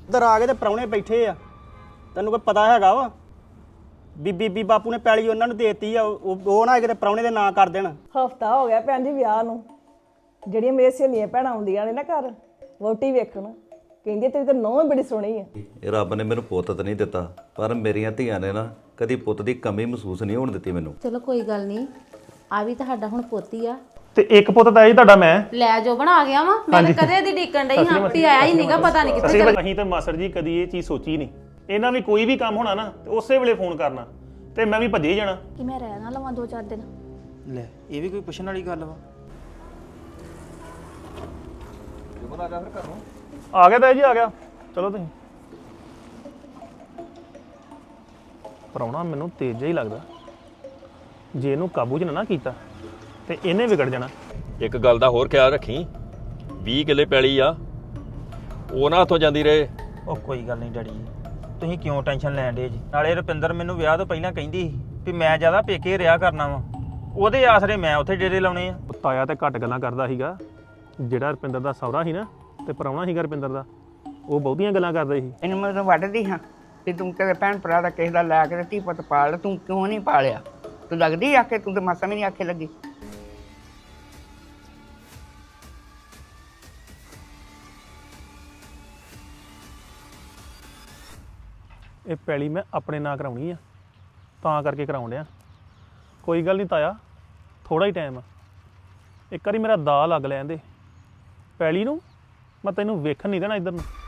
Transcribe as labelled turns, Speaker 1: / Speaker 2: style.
Speaker 1: ਇੱਧਰ ਆ ਕੇ ਤੇ ਪ੍ਰਾਹੁਣੇ ਬੈਠੇ ਆ, ਤੈਨੂੰ ਕੋਈ ਪਤਾ ਹੈਗਾ ਵਾ? ਬੀਬੀ ਬਾਪੂ ਨੇ ਪੈਲੀ ਉਹਨਾਂ ਨੂੰ ਦੇਤੀ ਆ, ਉਹ ਨਾ ਕਿਤੇ ਪ੍ਰਾਹੁਣੇ ਦੇ ਨਾਂ ਕਰ ਦੇਣ।
Speaker 2: ਹਫਤਾ ਹੋ ਗਿਆ ਭੈਣ ਜੀ ਵਿਆਹ ਨੂੰ, ਜਿਹੜੀਆਂ ਮੇਰੀਆਂ ਸਹੇਲੀਆਂ ਭੈਣਾਂ ਆਉਂਦੀਆਂ ਨੇ ਨਾ ਘਰ ਵਹੁਟੀ ਵੇਖਣ, ਕਹਿੰਦੀ ਤੇਰੀ ਤਾਂ ਨਹੁੰ ਬੜੀ ਸੋਹਣੀ ਆ।
Speaker 3: ਇਹ ਰੱਬ ਨੇ ਮੈਨੂੰ ਪੁੱਤ ਤਾਂ ਨਹੀਂ ਦਿੱਤਾ, ਪਰ ਮੇਰੀਆਂ ਧੀਆਂ ਨੇ ਨਾ ਕਦੀ ਪੁੱਤ ਦੀ ਕਮੀ ਮਹਿਸੂਸ ਨਹੀਂ ਹੋਣ ਦਿੱਤੀ ਮੈਨੂੰ।
Speaker 4: ਚਲੋ ਕੋਈ ਗੱਲ ਨਹੀਂ, ਆ ਵੀ ਤੁਹਾਡਾ ਹੁਣ ਪੋਤੀ ਆ
Speaker 5: ਤੇ ਇੱਕ ਪੁੱਤ ਤਾਂ ਜੀ ਤੁਹਾਡਾ ਮੈਂ
Speaker 4: ਲੈ ਜੋ ਬਣਾ ਗਿਆ ਵਾ। ਮੈਂ ਤਾਂ ਕਦੇ ਦੀ ਡੀਕਣ ਡਈ ਹਾਂ ਵੀ ਆਇਆ ਹੀ ਨਹੀਂਗਾ, ਪਤਾ ਨਹੀਂ ਕਿੱਥੇ ਚੱਲ।
Speaker 5: ਅਸੀਂ ਤਾਂ ਮਾਸਟਰ ਜੀ ਕਦੀ ਇਹ ਚੀਜ਼ ਸੋਚੀ ਨਹੀਂ। ਇਹਨਾਂ ਵੀ ਕੋਈ ਵੀ ਕੰਮ ਹੋਣਾ ਨਾ ਤੇ ਉਸੇ ਵੇਲੇ ਫੋਨ ਕਰਨਾ ਤੇ ਮੈਂ ਵੀ ਭੱਜੇ ਜਾਣਾ
Speaker 6: ਕਿ ਮੈਂ ਰਹਿ ਨਾ ਲਵਾਂ 2-4 ਦਿਨ।
Speaker 7: ਲੈ ਇਹ ਵੀ ਕੋਈ ਪੁੱਛਣ ਵਾਲੀ ਗੱਲ ਵਾ।
Speaker 5: ਆ ਗਿਆ ਤਾਂ ਜੀ, ਆ ਗਿਆ। ਚਲੋ ਤੁਸੀਂ ਪ੍ਰਾਹੁਣਾ ਮੈਨੂੰ ਤੇਜ਼ ਜਿਹਾ ਹੀ ਲੱਗਦਾ, ਜੇ ਇਹਨੂੰ ਕਾਬੂ 'ਚ ਨਾ ਕੀਤਾ ਤੇ ਇਹਨੇ ਵਿਗੜ ਜਾਣਾ।
Speaker 8: ਇੱਕ ਗੱਲ ਦਾ ਹੋਰ ਖਿਆਲ ਰੱਖੀ, 20 ਕਿੱਲੇ ਪੈਲੀ ਆ, ਉਹ ਨਾ ਹੱਥੋਂ ਜਾਂਦੀ ਰਹੇ।
Speaker 7: ਉਹ ਕੋਈ ਗੱਲ ਨਹੀਂ ਡੈਡੀ ਜੀ, ਤੁਸੀਂ ਕਿਉਂ ਟੈਨਸ਼ਨ ਲੈਣ ਡੇ ਜੀ? ਨਾਲੇ ਰੁਪਿੰਦਰ ਮੈਨੂੰ ਵਿਆਹ ਤੋਂ ਪਹਿਲਾਂ ਕਹਿੰਦੀ ਸੀ ਵੀ ਮੈਂ ਜ਼ਿਆਦਾ ਪੇਕੇ ਰਿਹਾ ਕਰਨਾ ਵਾ, ਉਹਦੇ ਆਸਰੇ ਮੈਂ ਉੱਥੇ ਡੇਰੇ ਲਾਉਣੇ ਆ।
Speaker 5: ਤਾਇਆ ਤੇ ਘੱਟ ਗੱਲਾਂ ਕਰਦਾ ਸੀਗਾ, ਜਿਹੜਾ ਰੁਪਿੰਦਰ ਦਾ ਸਹੁਰਾ ਸੀ ਨਾ ਤੇ ਪ੍ਰਾਹੁਣਾ ਸੀਗਾ ਰੁਪਿੰਦਰ ਦਾ, ਉਹ ਬਹੁਤੀਆਂ ਗੱਲਾਂ ਕਰਦਾ ਸੀ।
Speaker 9: ਇਹਨੂੰ ਮੈਂ ਤਾਂ ਵੱਢਦੀ ਹਾਂ ਵੀ ਤੂੰ ਤੇਰੇ ਭੈਣ ਭਰਾ ਦਾ ਕਿਸੇ ਦਾ ਲੈ ਕੇ ਧੀ ਪੁੱਤ ਪਾਲ, ਤੂੰ ਕਿਉਂ ਨਹੀਂ ਪਾਲਿਆ? ਤੂੰ ਲੱਗਦੀ ਆਖੇ, ਤੂੰ ਤਾਂ ਮਾਸਾ ਵੀ ਨਹੀਂ ਆਖੇ ਲੱਗੀ।
Speaker 5: ਇਹ ਪੈਲੀ ਮੈਂ ਆਪਣੇ ਨਾਂ ਕਰਾਉਣੀ ਆ, ਤਾਂ ਕਰਕੇ ਕਰਾਉਣ ਡਿਆ। ਕੋਈ ਗੱਲ ਨਹੀਂ ਤਾਇਆ, ਥੋੜਾ ਹੀ ਟਾਈਮ ਆ, ਇੱਕ ਵਾਰੀ ਮੇਰਾ ਦਾ ਲੱਗ ਲੈਣ ਦੇ ਪੈਲੀ ਨੂੰ, ਮੈਂ ਤੈਨੂੰ ਵੇਖਣ ਨਹੀਂ ਦੇਣਾ ਇੱਧਰ ਨੂੰ।